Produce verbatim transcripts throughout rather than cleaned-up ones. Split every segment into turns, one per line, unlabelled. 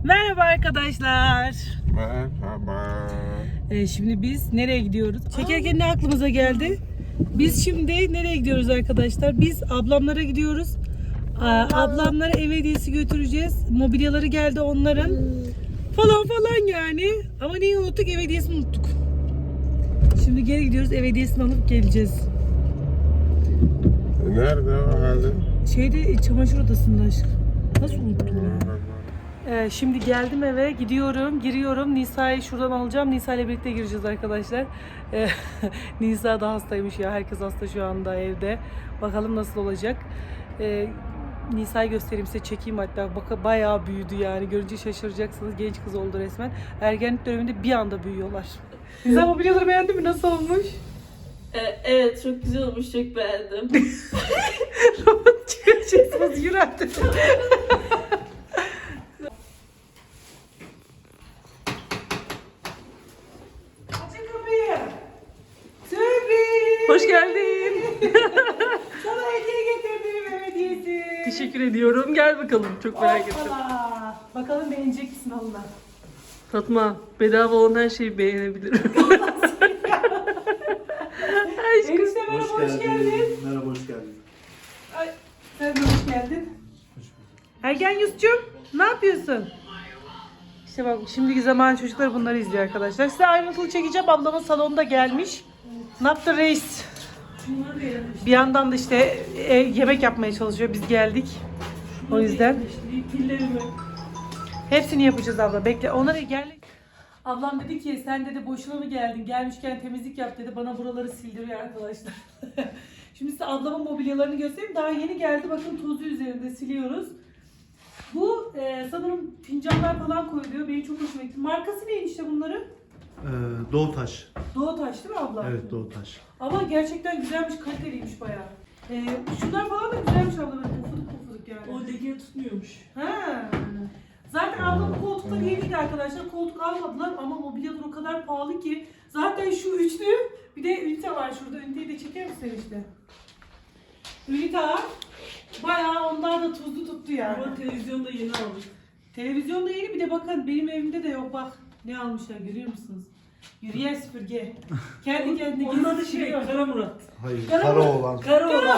Merhaba arkadaşlar.
Merhaba.
Ee, şimdi biz nereye gidiyoruz? Çekerken ne aklımıza geldi? Biz şimdi nereye gidiyoruz arkadaşlar? Biz ablamlara gidiyoruz. Aa, ablamlara ev hediyesi götüreceğiz. Mobilyaları geldi onların. Falan falan yani. Ama neyi unuttuk? Ev hediyesini unuttuk. Şimdi geri gidiyoruz. Ev hediyesini alıp geleceğiz.
Nerede o halde?
Şeyde çamaşır odasında aşkım. Nasıl unuttum ya? Ee, şimdi geldim eve, gidiyorum, giriyorum. Nisa'yı şuradan alacağım. Nisa ile birlikte gireceğiz arkadaşlar. Ee, Nisa da hastaymış ya. Herkes hasta şu anda evde. Bakalım nasıl olacak. Ee, Nisa'yı göstereyim size, çekeyim hatta. Bak, bayağı büyüdü yani. Görünce şaşıracaksınız. Genç kız oldu resmen. Ergenlik döneminde bir anda büyüyorlar. Nisa mobilyaları beğendin mi? Nasıl olmuş?
Ee, evet, çok güzel olmuş, çok beğendim.
Robot çıkaracaksınız. Yürü artık. Açın kapıyı. Sürpriz. Hoş geldin. Sana hediye getirdim, ev hediyesi. Teşekkür ediyorum. Gel bakalım. Çok merak ettim.
Hoppala.
Bakalım beğenecek misin Allah?
Fatma, bedava olan her şeyi beğenebilirim. Aşkım.
Enişte merhaba, hoş geldin.
Merhaba, hoş geldin.
Ay, sen de hoş geldin. Ergen Yusuf'cum, ne yapıyorsun? İşte bak, şimdiki zaman çocuklar bunları izliyor arkadaşlar. Size ayrıntılı çekeceğim. Ablamın salonda gelmiş. Ne yaptı reis? Bir yandan da işte e, yemek yapmaya çalışıyor. Biz geldik. O yüzden.
Pillerimi.
Hepsini yapacağız abla. Bekle. Onlara gel. Ablam dedi ki sen dedi boşuna mı geldin? Gelmişken temizlik yap dedi. Bana buraları sildiriyor arkadaşlar. Şimdi size ablamın mobilyalarını göstereyim. Daha yeni geldi. Bakın tozu üzerinde siliyoruz. Bu e, sanırım fincanlar falan koyuluyor. Benim çok hoşuma gitti. Markası neymiş işte bunların?
Ee, Doğutaş.
Doğutaş değil mi abla?
Evet, Doğutaş.
Ama gerçekten güzelmiş, kaliteliymiş bayağı. E, şunlar falan da güzelmiş abla, böyle pufuduk pufuduk yani.
O leke tutmuyormuş.
Ha. Zaten ablamın koltukları yeniydi arkadaşlar. Koltuk almadılar ama mobilyalar o kadar pahalı ki. Zaten şu üçlü, bir de ünite var şurada. Üniteyi de çeker misin işte? Ünite var. Bayağı onlar da tuzlu tuttu yani.
Ama televizyonda yeni aldık.
Televizyonda yeni, bir de bakın benim evimde de yok bak. Ne almışlar görüyor musunuz? Yürüyen süpürge. Kendi kendine
Onun adı
gezip
şey,
duruyor.
Kara Murat.
Hayır,
Kara
kara
mı?
olan.
Kara olan.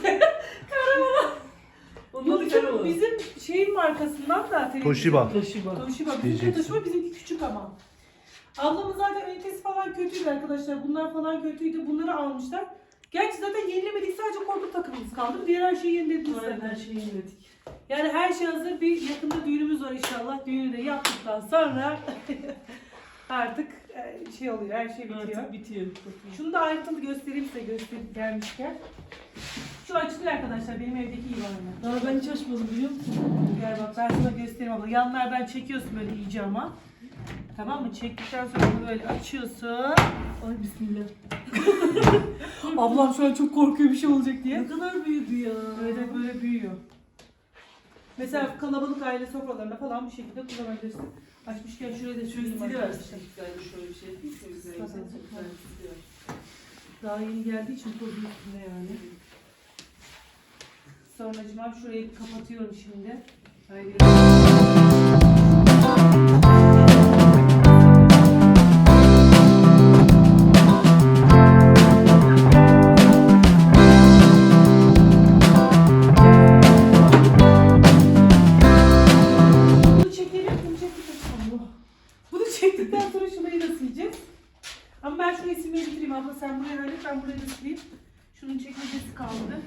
Onun
Bu
adı Kara
bizim,
olan.
bizim şeyin markasından da televizyon.
Toshiba.
Toshiba.
Toshiba. Bizimki
Diyeceksin.
Toshiba, bizimki küçük ama. Ablamın zaten ünitesi falan kötüydü arkadaşlar. Bunlar falan kötüydü. Bunları almışlar. Gerçi zaten yenilemedik. Sadece korku takımımız kaldı. Diğer her şeyi yenilediniz
Aynen,
zaten.
her şeyi yeniledik.
Yani her şey hazır. Bir yakında düğünümüz var inşallah. Düğünü de yaptıktan sonra artık e, şey oluyor. Her şey bitiyor.
Artık bitiyor.
Şunu da ayrıntılı göstereyim size, gösterip gelmişken. Şu açılıyor arkadaşlar. Benim evdeki iyi var mı?
Daha ben hiç açmadım, biliyor musun?
Gel bak, ben sana göstereyim abla. Yanlardan çekiyorsun böyle iyice ama. Tamam mı? Çektikten sonra bunu böyle açıyorsun.
Ay bismillah.
Ablam şu an çok korkuyor bir şey olacak diye.
Ne kadar büyüdü ya.
Böyle böyle büyüyor. Mesela kalabalık aile sofralarında falan bu şekilde kullanabilirsin. Açmışken şuraya da
Şöyle
söyleyeyim
stili
arkadaşlar.
versin. Galiba şöyle bir şey değil mi? Şöyle güzel, güzel, çok güzel bir stili var.
Daha yeni geldiği için tozu üstünde yani. Sonracığım şurayı kapatıyorum şimdi. Haydi. Bunu çekelim, bunu çektikten sonra. Bunu çektikten sonra şurayı da sileceğiz. Ama ben şurayı silmeyi bitireyim abla, sen buraya hallet, ben burayı da sileyim. Şunun çekmecesi kaldı.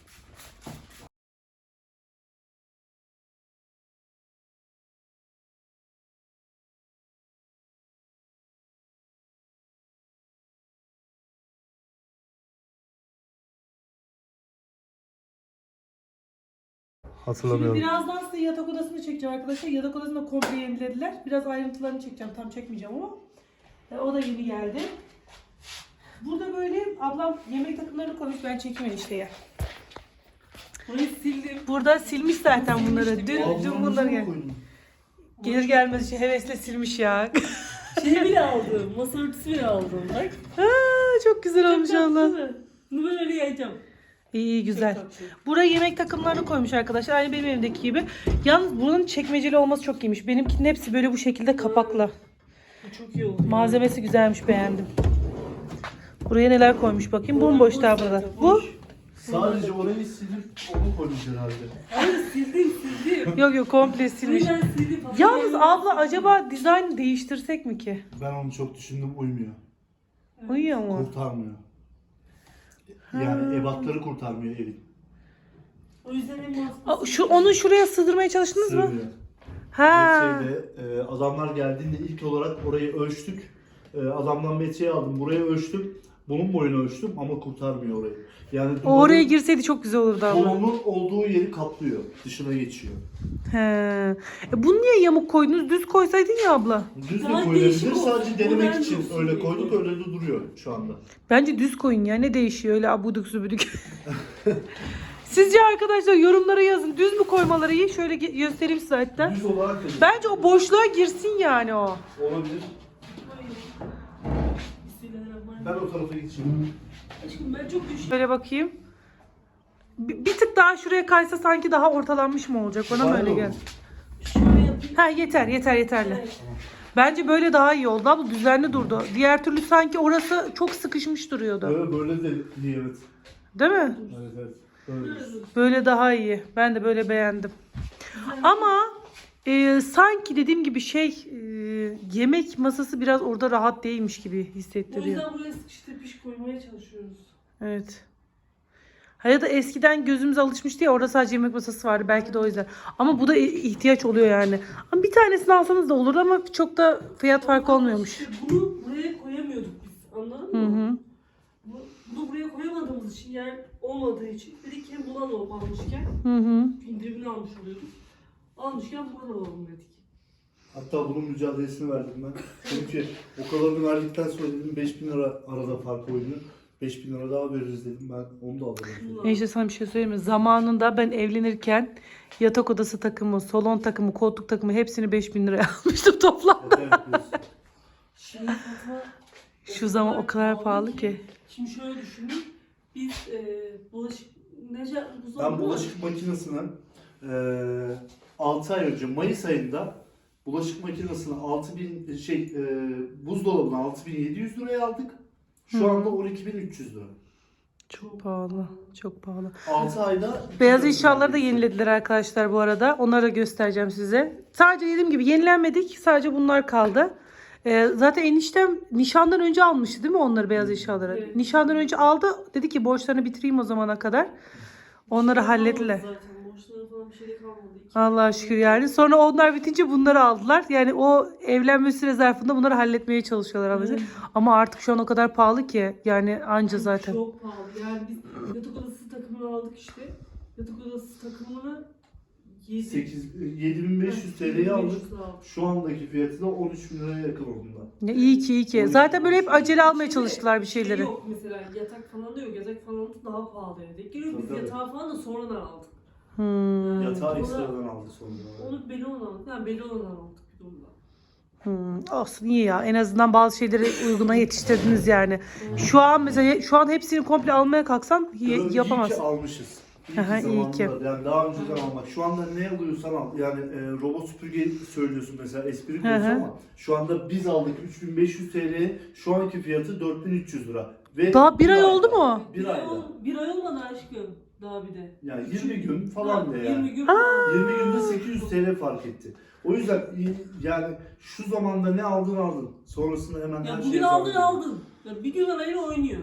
Şimdi
Hatırlamıyorum.
birazdan size yatak odasını çekeceğim arkadaşlar. Yatak odasını da komple yenilediler. Biraz ayrıntılarını çekeceğim. Tam çekmeyeceğim ama. E, o da yeni geldi. Burada böyle ablam yemek takımlarını koymuş. Ben çekeyim işte ya.
Burayı sildim.
Burada silmiş zaten bunları. Dün, dün bunları gel. Gelir gelmez işte hevesle silmiş ya.
Şey bile aldım. Masa örtüsü bile aldım. Bak.
Aa, çok güzel olmuş
Çok tatlı
Allah.
değil mi? Bunu böyle yiyeceğim.
İyi iyi güzel.
Çok tatlı.
Buraya yemek takımlarını koymuş arkadaşlar. Aynı benim evimdeki gibi. Yalnız bunun çekmeceli olması çok iyiymiş. Benimkinin hepsi böyle bu şekilde kapaklı.
Bu çok iyi oldu.
Malzemesi güzelmiş, beğendim. Buraya neler koymuş bakayım. Bomboş daha burada. Bu?
Sadece orayı silip onu koymuş herhalde.
Hayır sildim sildim.
Yok yok komple silmiş.
Ben sildim.
Yalnız abla acaba dizayn değiştirsek mi ki?
Ben onu çok düşündüm, uymuyor.
Uyuyor mu?
Kurtarmıyor. Yani ebatları kurtarmıyor evin.
O yüzden en
Aa,
mantıklısı.
Şu onu şuraya sığdırmaya çalıştınız mı?
Sığmıyor.
Ha.
Metreyle e, adamlar geldiğinde ilk olarak orayı ölçtük. E, adamdan metreyi aldım, buraya ölçtüm. Bunun boyunu ölçtüm ama kurtarmıyor orayı. Yani
O oraya girseydi çok güzel olurdu abla.
kolonun olduğu yeri kaplıyor. Dışına geçiyor.
He. E bunu niye yamuk koydunuz? Düz koysaydın ya abla.
Düz de
Daha
koyulabilir.
değişik olsun.
Sadece denemek
Modern
için
olsun
öyle
diye.
koyduk, öyle de duruyor şu anda.
Bence düz koyun ya. Ne değişiyor öyle abuduk subuduk. Sizce arkadaşlar yorumlara yazın. Düz mü koymaları iyi? Şöyle ge- göstereyim size hatta.
Düz olarak da
Bence o boşluğa girsin yani o.
olabilir. Ben o tarafa geçeyim.
Aşkım ben çok düştüm.
Şöyle bakayım. Bir, bir tık daha şuraya kaysa sanki daha ortalanmış mı olacak? Bana mı
Bana
öyle
da
geldi?
olur.
Şöyle yapayım.
Ha yeter yeter yeterli.
Evet.
Bence böyle daha iyi oldu. Abla düzenli durdu. Diğer türlü sanki orası çok sıkışmış duruyordu.
Böyle, böyle de iyi, evet.
Değil mi?
Evet, evet. Böyle.
Böyle daha iyi. Ben de böyle beğendim. Ama e, sanki dediğim gibi şey e, yemek masası biraz orada rahat değilmiş gibi
O
hissettiriyor.
yüzden buraya sıkıştırıp iş koymaya çalışıyoruz.
Evet. Ha ya da eskiden gözümüz alışmıştı ya orada sadece yemek masası vardı belki de o yüzden. Ama bu da ihtiyaç oluyor yani. Ama bir tanesini alsanız da olur ama çok da fiyat farkı olmuyormuş.
İşte bunu buraya koyamıyorduk biz. Anladın
Hı
mı?
hı.
Bu, bunu buraya koyamadığımız için, yer olmadığı için dedik hem buna alıp almışken
Hı hı.
indirimini almış oluyorduk. Almışken buradan alalım dedik.
Hatta bunun mücadelesini verdim ben. Çünkü o kadarını verdikten sonra dedim beş bin lira arada fark oynuyor. beş bin lira daha veririz dedim, ben onu da alırım.
E işte sana bir şey söyleyeyim mi? Zamanında ben evlenirken yatak odası takımı, salon takımı, koltuk takımı hepsini beş bin liraya almıştım toplam.
Evet, evet, biliyorsun.
Şimdi Fatma
Şu zaman o kadar pahalı ki.
Şimdi şöyle düşünün. Biz e, bulaşık Necat
Ben bulaşık makinesini eee altı ay önce Mayıs ayında bulaşık makinesini altı bin şey eee buzdolabını altı bin yedi yüz liraya aldık. Şu
Hı.
anda on iki bin üç yüz lira.
Çok pahalı. Çok pahalı.
altı ayda
Beyaz eşyaları da yenilediler arkadaşlar bu arada. Onları da göstereceğim size. Sadece dediğim gibi yenilenmedik. Sadece bunlar kaldı. Ee, zaten eniştem nişandan önce almıştı değil mi onları, beyaz eşyaları?
Evet.
Nişandan önce aldı. Dedi ki borçlarını bitireyim o zamana kadar. Onları hallettiler.
Zaten borçları falan bir şey de kalmadı.
Allah'a şükür yani. Sonra onlar bitince bunları aldılar. Yani o evlenme süre zarfında bunları halletmeye çalışıyorlar anlayacak. Ama artık şu an o kadar pahalı ki. Yani anca zaten.
Çok pahalı. Yani biz yatak odası takımını aldık işte. Yatak odası takımını
sekiz yedi bin beş yüz T L'ye aldık. Şu andaki fiyatı da on üç bin liraya yakın onunla.
Ya iyi ki iyi ki. Zaten böyle hep acele almaya çalıştılar bir şeyleri.
Şey yok mesela yatak falan da yok. Yatak falan da daha pahalı denk geliyor. Biz
Tabii.
yatağı falan da sonradan aldık.
Hmm.
Yatağı
Ona-
ekstradan aldı sonra.
Onu belli olan aldık. Yani belli olan aldık bir durumda.
Hmm, olsun iyi ya. En azından bazı şeyleri uyguna yetiştirdiniz yani. Şu an mesela şu an hepsini komple almaya kalksan y-
İyi ki
yapamazsın.
almışız. İyi
Aha,
ki
iyi
zamanında.
ki.
Yani daha önceden almak. Şu anda ne alıyorsan al. Yani e, robot süpürge söylüyorsun mesela, espri
Hı
konusu
hı.
ama şu anda biz aldık üç bin beş yüz T L'ye, şu anki fiyatı dört bin üç yüz lira. Ve
Daha bir ay
ayda-
oldu mu?
Bir
Bir ay,
ayda.
ol, bir ay olmadı aşkım. Daha bir de.
Yani yirmi gün falan da yani.
yirmi gün falan.
yirmi günde sekiz yüz T L fark etti. O yüzden iyi- yani şu zamanda ne aldın aldın. Sonrasında hemen
Ya
her
bugün
şeye
aldın
zam
aldın. Ya bir gün arayla oynuyor.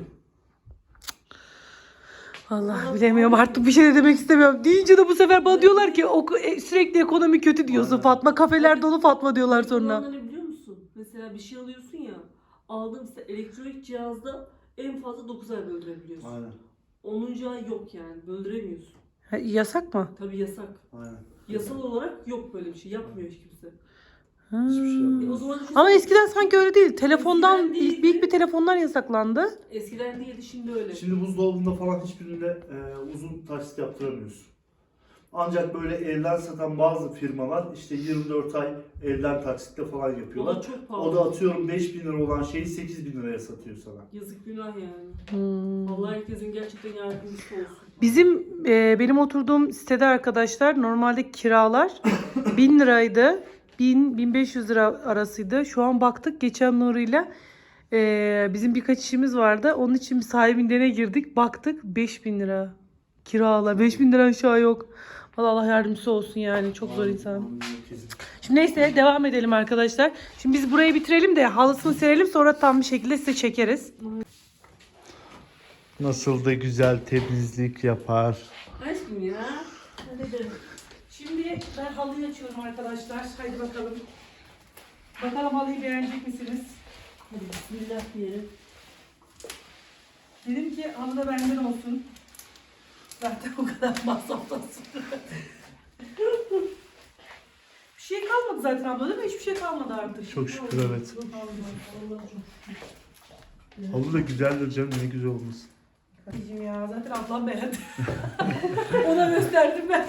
Allah bilemiyorum artık bir şey de demek istemiyorum. Deyince de bu sefer bana diyorlar ki "Oku- e, sürekli ekonomi kötü diyorsun
Aynen.
Fatma. Kafeler dolu Fatma diyorlar sonra.
Kullananları biliyor musun? Mesela bir şey alıyorsun ya. Aldığın işte elektronik cihazda en fazla dokuz ay böldürebiliyorsun.
Aynen.
onuncu ay yok yani. Böldüremiyorsun.
Ha, yasak mı?
Tabii yasak.
Aynen.
Yasal olarak yok böyle bir şey. Yapmıyor hiç kimse.
Ha.
Hiçbir şey yapmıyor.
E o zaman düşünsene-
Ama eskiden sanki öyle değil. Telefondan
Eskiden değildi.
ilk büyük bir telefondan yasaklandı.
Eskiden değildi şimdi öyle.
Şimdi buzdolabında falan hiçbirinde e, uzun taksit yaptıramıyorsun. Ancak böyle evden satan bazı firmalar işte yirmi dört ay evden taksitle falan
O da
yapıyorlar.
çok pahalı.
O da atıyorum beş bin lira olan şeyi sekiz bin liraya satıyor sana.
Yazık günah yani.
Hmm.
Allah herkesin gerçekten yardımcısı olsun.
Bizim e, benim oturduğum sitede arkadaşlar normalde kiralar bin liraydı. bin bin beş yüz lira arasıydı. Şu an baktık geçen Nuri'yle e, bizim birkaç işimiz vardı. Onun için bir sahibinden girdik. Baktık beş bin lira kiralar. beş bin lira aşağı yok. Vallahi Allah yardımcısı olsun yani. Çok zor insan. Şimdi neyse devam edelim arkadaşlar. Şimdi biz burayı bitirelim de halısını serelim, sonra tam bir şekilde size çekeriz.
Nasıl da güzel temizlik yapar.
Aşkım ya. Hadi.
Şimdi ben halıyı açıyorum arkadaşlar. Haydi bakalım. Bakalım halıyı beğenecek misiniz?
Hadi bismillah diyelim.
Dedim ki halı da benden olsun. Zaten o kadar masraftan sonra. Bir şey kalmadı zaten abla değil mi? Hiçbir şey kalmadı artık.
Çok şükür evet. Halı da güzeldir canım, ne güzel olmuş.
Anneciğim ya zaten ablam beğendi. Ona gösterdim ben.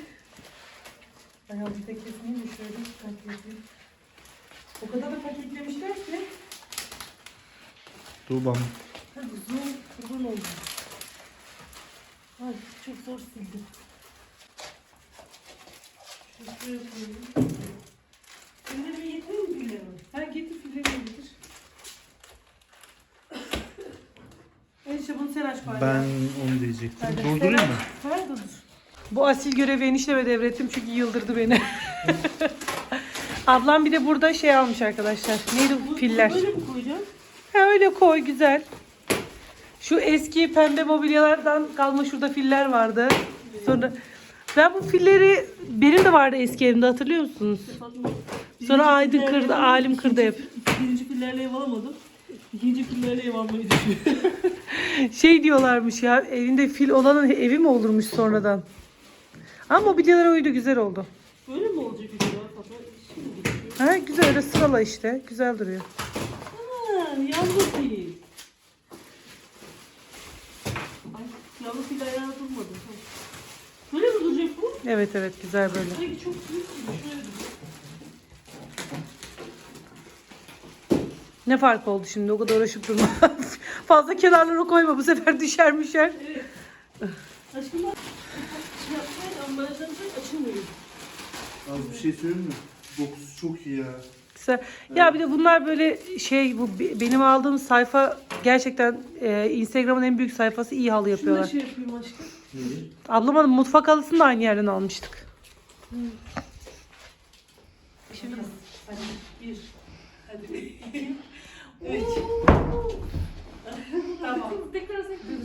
Ay bir de kesmeyeyim de şöyle bir paketledim. O kadar da paketlemişler ki.
Dur bana.
Hadi uzun, uzun oldu. Ay çok zor sildim. Şuraya koyayım. Fillerimi getireyim mi fillerimi? Ha getir fillerimi getir. Enişte bunu sen aç bari.
Ben onu diyecektim.
Hadi.
Durdurayım mı?
Ha dur dur. Bu asil görevi enişteme devrettim çünkü yıldırdı beni. Ablam bir de burada şey almış arkadaşlar. Neydi bu filler?
Böyle mi koyacağım?
Ha öyle koy güzel. Şu eski pembe mobilyalardan kalma şurada filler vardı. Sonra ben bu filleri benim de vardı eski evimde, hatırlıyor musunuz?
Fatma.
Sonra
Birinci
Aydın
fillerle
kırdı,
ev-
Alim kırdı hep.
ikinci- Birinci fillerle ev alamadım. İkinci fillerle ev almayı düşünüyorum.
Şey diyorlarmış ya, evinde fil olanın evi mi olurmuş sonradan. Ama mobilyalara uydu, güzel oldu.
Böyle mi olacak acaba Fatma? Şimdi geçiyor.
Ha güzel, öyle sırala işte, güzel duruyor.
Ha, yavru fil. Ay, yavru fil ayağı durmadı. Böyle mi duracak bu?
Evet evet güzel böyle.
Sanki çok büyük gibi. Şöyle duruyor.
Ne fark oldu şimdi, o kadar uğraşıp durma. Fazla kenarlara koyma, bu sefer düşer müşer.
Evet. Aşkım bak. Şey yapsaydı ambalajdan çok açılmıyor.
Az bir şey söyleyeyim mi? Dokusu çok iyi ya.
Güzel. Ya bir de bunlar böyle şey, bu be- benim aldığım sayfa gerçekten e, Instagram'ın en büyük sayfası, iyi halı
Şunu da
yapıyorlar.
şey yapayım aşkım.
Neyi?
Ablamın mutfak halısını da aynı yerden almıştık.
Şimdi hadi bir. Hadi iki. Üç. Tamam. Tekrar sektiririz.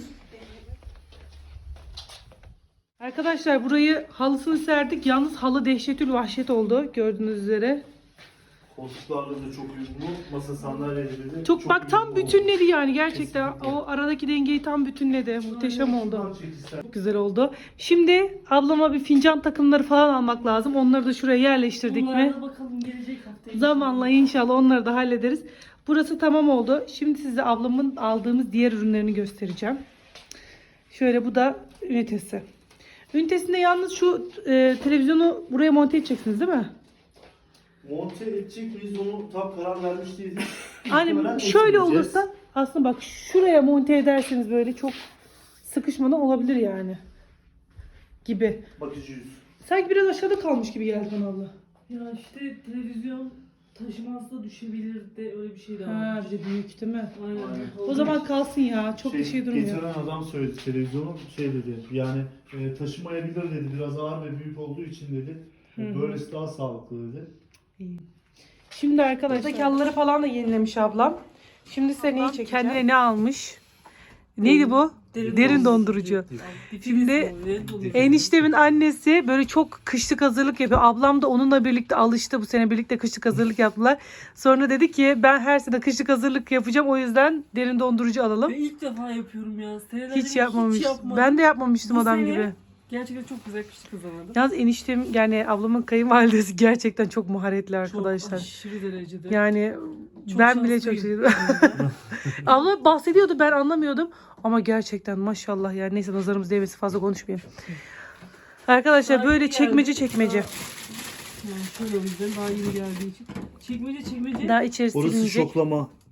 Arkadaşlar burayı halısını serdik. Yalnız halı dehşetül vahşet oldu gördüğünüz üzere.
Koltuklarla da çok uyumlu. Masa sandalyeleri de
Çok, bak tam
uyumlu oldu.
bütünledi yani gerçekten.
Kesinlikle.
O aradaki dengeyi tam bütünledi. Muhteşem oldu.
Şuradan çek istersen.
Çok güzel oldu. Şimdi ablama bir fincan takımları falan almak lazım. Onları da şuraya yerleştirdik mi?
Bunlara da bakalım gelecek hafta.
Zamanla inşallah onları da hallederiz. Burası tamam oldu. Şimdi size ablamın aldığımız diğer ürünlerini göstereceğim. Şöyle, bu da ünitesi. Ünitesinde yalnız şu e, televizyonu buraya monte edeceksiniz değil mi?
Monte edecek miyiz, onu tam karar vermiş değiliz.
Aynen
Muhtemelen
şöyle
etmeyeceğiz.
olursa aslında bak şuraya monte ederseniz böyle çok sıkışmadan olabilir yani. Gibi.
Bakıcıyız.
Sanki biraz aşağıda kalmış gibi geldi bana abla.
Ya işte televizyon taşımazsa düşebilir de öyle bir şey de
Ha,
var.
bir de büyük değil mi?
Aynen.
Aynen.
O zaman kalsın ya. Çok bir şey durmuyor.
Getiren adam söyledi, televizyonu şey dedi, yani e, taşımayabilir dedi, biraz ağır ve büyük olduğu için dedi.
Hı hı.
Böylesi daha sağlıklı dedi.
Şimdi arkadaşlar buradaki halıları falan da yenilemiş ablam. Şimdi size neyi çekeceğim? Kendine ne almış? Neydi bu?
Derin
Derin,
dondurucu.
dondurucu. Şimdi eniştemin annesi böyle çok kışlık hazırlık yapıyor. Ablam da onunla birlikte alıştı. Bu sene birlikte kışlık hazırlık yaptılar. Sonra dedi ki ben her sene kışlık hazırlık yapacağım. O yüzden derin dondurucu alalım.
Ben ilk defa yapıyorum ya. Senelerdir
Hiç yapmamış.
yapmadım.
Ben de yapmamıştım
Bu
adam
sene
gibi.
Gerçekten çok güzel kışlık kazandım.
Yalnız eniştem yani ablamın kayınvalidesi gerçekten çok maharetli arkadaşlar.
Çok aşırı derecede.
Yani
Çok
ben bile çok
şanslıyım.
şeydim. Abla bahsediyordu, ben anlamıyordum. Ama gerçekten maşallah yani, neyse nazarımız değmesin, fazla konuşmayayım. Arkadaşlar
Daha
böyle
yeni
çekmece
geldi.
çekmece.
Yani şöyle o yüzden daha yeni geldiği için. Çekmece çekmece.
Daha içerisi
Orası
silinecek.
şoklama.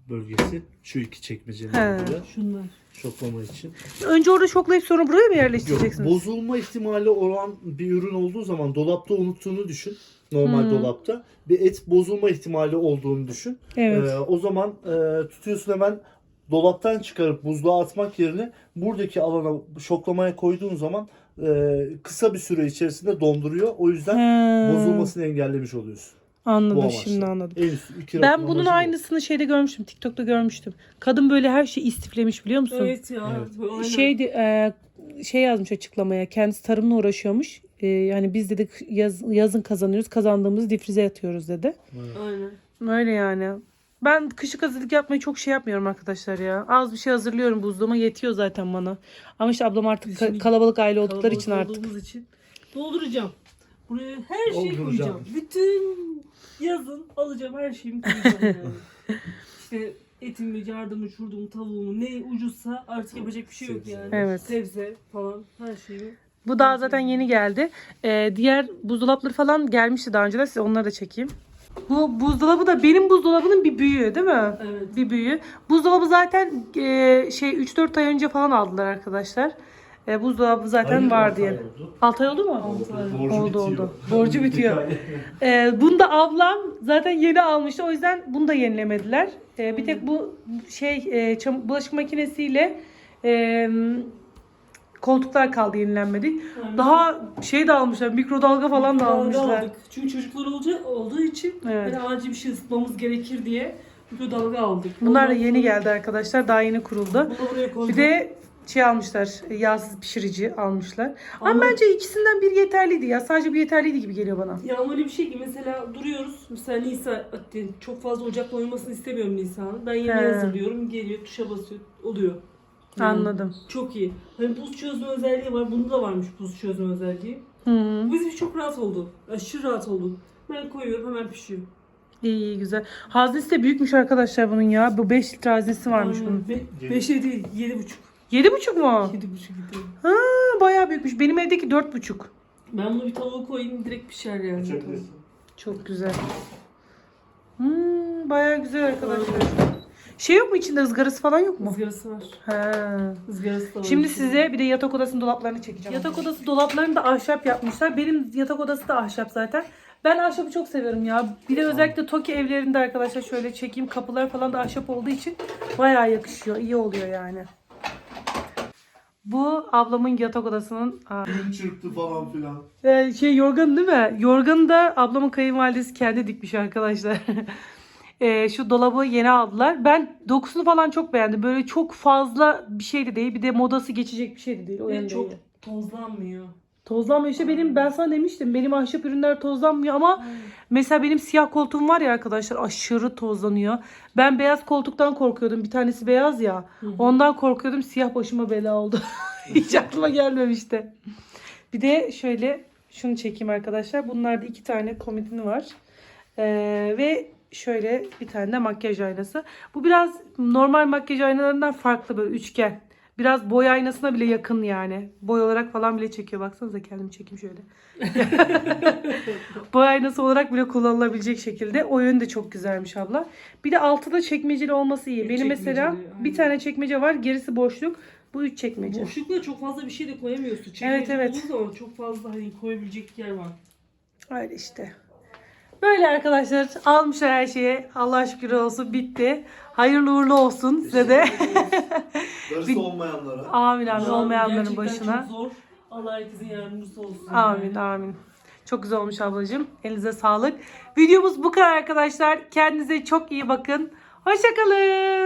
bölgesi. Şu iki çekmecenin
He.
olduğu
Şunlar.
şoklama için.
Önce orada şoklayıp sonra buraya mı
Yok,
yerleştireceksiniz?
bozulma ihtimali olan bir ürün olduğu zaman dolapta unuttuğunu düşün. Normal
Hı.
dolapta. Bir et bozulma ihtimali olduğunu düşün.
Evet.
Ee, o zaman e, tutuyorsun hemen dolaptan çıkarıp buzluğa atmak yerine buradaki alana şoklamaya koyduğun zaman e, kısa bir süre içerisinde donduruyor. O yüzden
He.
bozulmasını engellemiş oluyorsun. Bu
Anladım,
amaçla.
şimdi anladım.
En üstü iki
Ben
rakım
bunun
amacı bu.
aynısını şeyde görmüştüm. TikTok'ta görmüştüm. Kadın böyle her şeyi istiflemiş, biliyor musun?
Evet ya.
Evet.
Böyle aynen.
Şeydi, e, şey yazmış açıklamaya. Kendisi tarımla uğraşıyormuş. E, yani biz dedik yaz, yazın kazanıyoruz. Kazandığımızı difrize atıyoruz dedi.
Aynen.
Öyle yani. Ben kışlık hazırlık yapmayı çok şey yapmıyorum arkadaşlar ya. Az bir şey hazırlıyorum buzluğuma, yetiyor zaten bana. Ama işte ablam artık ka-
Şimdi
kalabalık aile oldukları
Kalabalık
için artık.
olduğumuz için dolduracağım. Buraya her şeyi
Dolduracağım.
koyacağım. Bütün yazın alacağım her şeyimi koyacağım yani. İşte etimi, yardımı, şurdumu, tavuğumu ne ucuzsa artık yapacak bir şey yok yani.
Evet.
Sebze falan her şeyi.
Bu daha zaten yeni geldi. Ee, diğer buzdolapları falan gelmişti daha önceden. Size onları da çekeyim. Bu buzdolabı da benim buzdolabının bir büyüğü değil mi?
Evet.
Bir büyüğü. Buzdolabı zaten e, şey üç dört ay önce falan aldılar arkadaşlar. E, buzdolabı zaten
Hayır,
var
altı
diye.
ay oldu.
altı ay oldu mu?
Altı ay.
Borcu
Oldu,
bitiyor.
oldu. Borcu bitiyor. Ee, bunu da ablam zaten yeni almıştı. O yüzden bunu da yenilemediler. Ee, bir tek bu şey e, çam- bulaşık makinesiyle e, koltuklar kaldı, yenilenmedi.
Aynen.
Daha şey de almışlar. Mikrodalga falan da
Mikrodalga
almışlar.
aldık. Çünkü çocuklar olacak, olduğu için
Evet.
hani acil bir şey ısıtmamız gerekir diye mikrodalga aldık.
Bunlar da
Ondan
yeni
sonra
geldi arkadaşlar. Daha yeni kuruldu.
Bunu da buraya koyduk.
Bir de şey almışlar. Yağsız pişirici almışlar. Ama,
Ama-
bence ikisinden bir yeterliydi ya. Sadece bir yeterliydi gibi geliyor bana.
Ya ama öyle bir şey ki mesela duruyoruz. Mesela Nisa çok fazla ocakla oynamasını istemiyorum Nisa'nın. Ben yemeği
He.
hazırlıyorum. Geliyor tuşa basıyor. Oluyor. Yani
Anladım.
Çok iyi. Hani buz çözme özelliği var. Bunda da varmış buz çözme özelliği.
Hı -hı.
Bu bizim için çok rahat oldu. Aşırı rahat oldu. Ben koyuyorum hemen pişiyor.
İyi, iyi, güzel. Haznesi de büyükmüş arkadaşlar bunun ya. Bu beş litre haznesi varmış
Aynen.
bunun.
Be- beşe değil. Yedi buçuk.
Yedi buçuk mu?
Yedi buçuk litre.
Ha, bayağı büyükmüş. Benim evdeki dört buçuk.
Ben bunu bir tavuğa koyayım direkt pişer yani.
Açabilirsin.
Çok güzel. Hmm, bayağı güzel arkadaşlar. Şey yok mu içinde, ızgarası falan yok mu?
Izgarası var.
Ha.
Izgarası da var.
Şimdi size bir de yatak odasının dolaplarını çekeceğim. Yatak odası dolaplarını da ahşap yapmışlar. Benim yatak odası da ahşap zaten. Ben ahşabı çok seviyorum ya. Bir de özellikle Toki evlerinde arkadaşlar şöyle çekeyim. Kapılar falan da ahşap olduğu için bayağı yakışıyor. İyi oluyor yani. Bu ablamın yatak odasının aa,
Elim çırptı falan filan.
Ee, şey yorganı değil mi? Yorganı da ablamın kayınvalidesi kendi dikmiş arkadaşlar. Ee, şu dolabı yeni aldılar. Ben dokusunu falan çok beğendim. Böyle çok fazla bir şey de değil. Bir de modası geçecek bir şey de değil. O
Ve
yönde
çok
iyi.
tozlanmıyor.
Tozlanmıyor. İşte benim, ben sana demiştim. Benim ahşap ürünler tozlanmıyor ama mesela benim siyah koltuğum var ya arkadaşlar, aşırı tozlanıyor. Ben beyaz koltuktan korkuyordum. Bir tanesi beyaz ya.
Hı hı.
Ondan korkuyordum. Siyah başıma bela oldu. Hiç aklıma gelmemişti. Bir de şöyle şunu çekeyim arkadaşlar. Bunlarda iki tane komodini var. Ee, ve şöyle bir tane de makyaj aynası. Bu biraz normal makyaj aynalarından farklı, böyle üçgen. Biraz boy aynasına bile yakın yani. Boy olarak falan bile çekiyor. Baksanıza, kendimi çekeyim şöyle. Boy aynası olarak bile kullanılabilecek şekilde. O yönü de çok güzelmiş abla. Bir de altı da çekmeceli olması iyi.
Üç
Benim mesela
çekmeceli, aynen.
bir tane çekmece var. Gerisi boşluk. Bu üç çekmece.
Boşlukla çok fazla bir şey de koyamıyorsun. Çekmece
Evet, evet.
olduğu zaman çok fazla hani koyabilecek yer var.
Öyle işte. Böyle arkadaşlar, almışlar her şeyi. Allah şükür olsun, bitti. Hayırlı uğurlu olsun size de.
Darısı olmayanlara.
Amin amin,
Şu an
olmayanların
gerçekten
başına.
çok zor. Allah herkesin yardımcısı olsun.
Amin
yani.
amin. Çok güzel olmuş ablacığım. Elinize sağlık. Videomuz bu kadar arkadaşlar. Kendinize çok iyi bakın. Hoşça kalın.